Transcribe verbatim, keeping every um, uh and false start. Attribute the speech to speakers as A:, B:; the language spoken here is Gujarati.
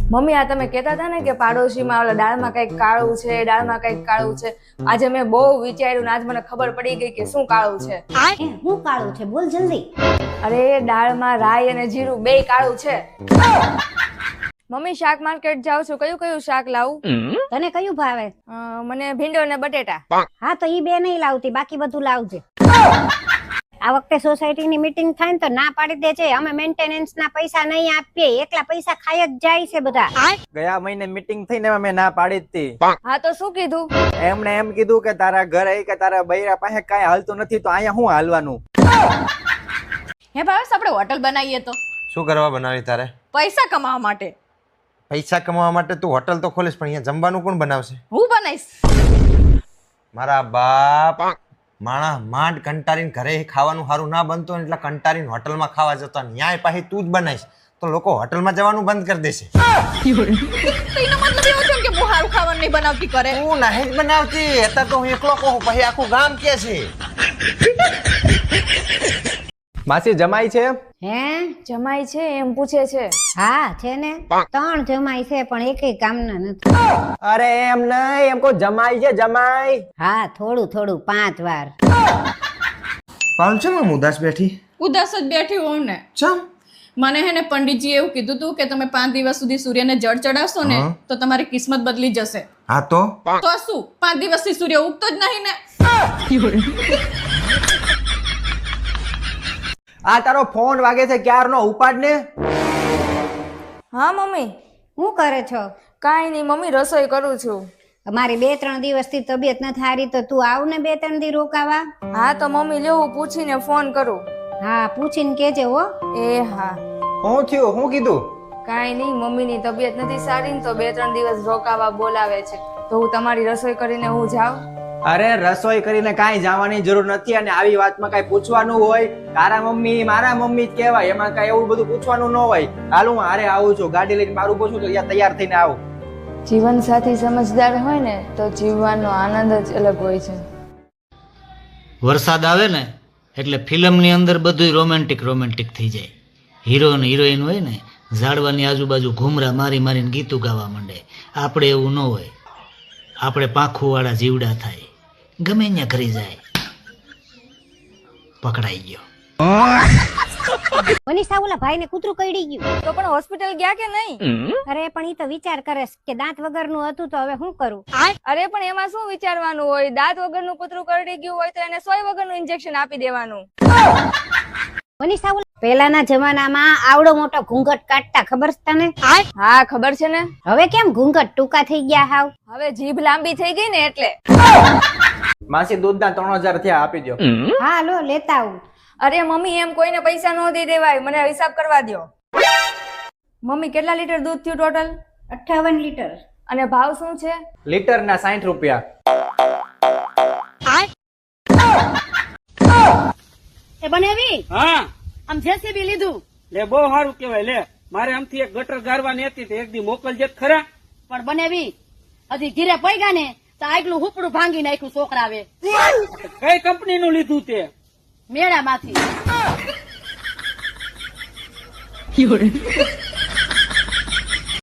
A: મમ્મી આ તમે કહેતા હતા ને કે પાડોશીમાં ઓલા દાળમાં કંઈક કાળું છે, દાળમાં કંઈક કાળું છે. આજે મેં બહુ વિચાર્યું ને આજ મને ખબર પડી ગઈ કે શું કાળું છે.
B: એ શું કાળું છે? બોલ જલ્દી.
A: અરે દાળમાં રાઈ અને જીરું બેય કાળું છે. મમ્મી શાક માર્કેટ જાઉં છું, કયું કયું શાક લાવું?
B: તને કયું ભાવે?
A: અ, મને ભીંડો ને બટેટા.
B: હા તો ઈ બે નહીં લાવતી, બાકી બધું લાવજે. આ વખતે સોસાયટી ની મીટિંગ થાય ને તો ના પાડી દેજે, અમે મેન્ટેનન્સ ના પૈસા નહીં આપીએ, એકલા પૈસા ખાઈ જ જાય છે બધા.
C: ગયા મહિને મીટિંગ થઈને મેં ના પાડી હતી.
A: હા તો શું કીધું?
C: એમને એમ કીધું કે તારા ઘરે કે તારા બૈરા પાસે કઈ હાલતું નથી તો અહીંયા શું હાલવાનું?
D: હે ભાવેશ, આપણે હોટલ બનાવીએ તો?
E: શું કરવા બનાવી તારે?
D: પૈસા કમાવા માટે.
E: પૈસા કમાવા માટે તું હોટલ તો ખોલીશ, પણ અહીંયા જમવાનું કોણ બનાવશે?
D: હું બનાવીશ.
E: મારા બાપ માણા માંડ કંટારીને ઘરે ખાવાનું સારું ના બનતું હોય એટલે કંટારીને હોટલમાં ખાવા જતો, ન્યાય પાછી તું જ બનાવીશ તો લોકો હોટલમાં જવાનું બંધ કરી દેશે.
D: તો એનો મતલબ એવો થયો કે હું સારું ખાવાનું નહીં બનાવતી કરે.
E: હું નહીં જ બનાવતી, અત્યારે તો હું એકલો કહું, પછી આખું ગામ કે છે.
C: માસી જમાઈ છે?
B: હે
A: જમાઈ છે એમ પૂછે છે.
B: હા છે ને, ત્રણ જમાઈ છે પણ એકેય કામના નથી.
C: અરે એમ નહીં, એમ કો જમાઈ છે જમાઈ.
B: હા થોડું થોડું પાંચ વાર.
E: પાલ છે હું ઉદાસ બેઠી?
D: ઉદાસ જ બેઠી હોઉં ને.
E: ચમ?
D: મને હે ને પંડિતજી એવું કીધું તું કે તમે પાંચ દિવસ સુધી સૂર્યને જળ ચડાવશો ને તો તમારી કિસ્મત બદલી જશે.
E: હા તો
D: તો શું, પાંચ દિવસથી સૂર્ય ઉગતો જ નહીં ને.
C: આ તારો ફોન વાગે છે ક્યારનો, ઉપાડ ને.
A: હા મમ્મી.
B: શું કરે છો?
A: કાંઈ નહીં મમ્મી, રસોઈ કરું છું.
B: મારી બે ત્રણ દિવસથી તબિયત નથી સારી તો તું આવ ને બે ત્રણ દી રોકાવા.
A: હા તો મમ્મી લ્યો હું પૂછીને ફોન કરું.
B: હા પૂછીને કેજે હો.
A: એ હા.
C: શું થયું? શું કીધું?
A: કાંઈ નહીં, મમ્મીની તબિયત નથી સારી ને તો બે ત્રણ દિવસ રોકાવા બોલાવે છે, તો હું તમારી રસોઈ કરીને હું જાઉં?
C: અરે રસોઈ કરીને કાંઈ જવાની જરૂર નથી, અને આવી વાતમાં કાંઈ પૂછવાનું હોય? તારા મમ્મી મારા મમ્મી જ કહેવાય, એમાં કાંઈ એવું બધું પૂછવાનું ન હોય. હાલ હું હારે આવું છું, ગાડી લઈને મારું પૂછું તો ત્યાં તૈયાર થઈને આવું.
A: જીવન સાથી સમજદાર હોય ને તો જીવવાનો આનંદ જ અલગ હોય છે.
F: વરસાદ આવે ને એટલે ફિલ્મની અંદર બધું રોમેન્ટિક રોમેન્ટિક થઈ જાય. હીરો અને હિરોઈન હોય ને ઝાડવાની આજુબાજુ ઘૂમરા મારી મારીને ગીતું ગાવા માંડે. આપણે એવું ન હોય, આપણે પાંખુવાળા જીવડા થાય, ગમે ત્યાં કરી જાય. પકડાઈ ગયો.
B: મનીષા ઓલા ભાઈ ને કૂતરું કરડી ગયું.
A: તો પણ હોસ્પિટલ ગયા કે નહીં?
B: અરે પણ ઈ તો વિચાર કરે કે દાંત વગરનું હતું તો હવે શું કરું.
A: અરે પણ એમાં શું વિચારવાનું હોય? દાંત વગરનું કૂતરું કરડી ગયું હોય તો એને સોય વગરનું ઇન્જેક્શન આપી દેવાનું.
B: મનીષા ઓલા પહેલાના જમાનામાં આવડો મોટો ઘૂંઘટ કાઢતા, ખબર છે તને?
A: હા ખબર છે ને.
B: હવે કેમ ઘૂંઘટ ટૂંકા થઈ ગયા હાવ?
A: હવે જીભ લાંબી થઈ ગઈ ને એટલે.
C: માસી દૂધના ત્રણ હજાર થયા, આપી દો.
B: હા લો લેતા આવું.
A: અરે મમ્મી એમ કોઈને પૈસા ન દઈ દેવાય, મને હિસાબ કરવા દો. મમ્મી કેટલા લીટર દૂધ થયું ટોટલ?
B: અઠ્ઠાવન લીટર.
A: અને ભાવ શું છે?
C: લીટર ના સાઠ રૂપિયા.
G: એ બનેવી
H: હા
G: આમ જેસીબી લીધું
H: લે, બહુ સારું કેવાય. લે મારે આમથી એક ગટર ગારવાની હતી તો એક દી મોકલજે ખરા.
G: પણ બનેવી હજી ઘીરે પૈગા ને તો આગલું હુપડું ભાંગી નાખ્યું છોકરાવે.
H: કઈ કંપની નું લીધું તે?
G: મેળામાંથી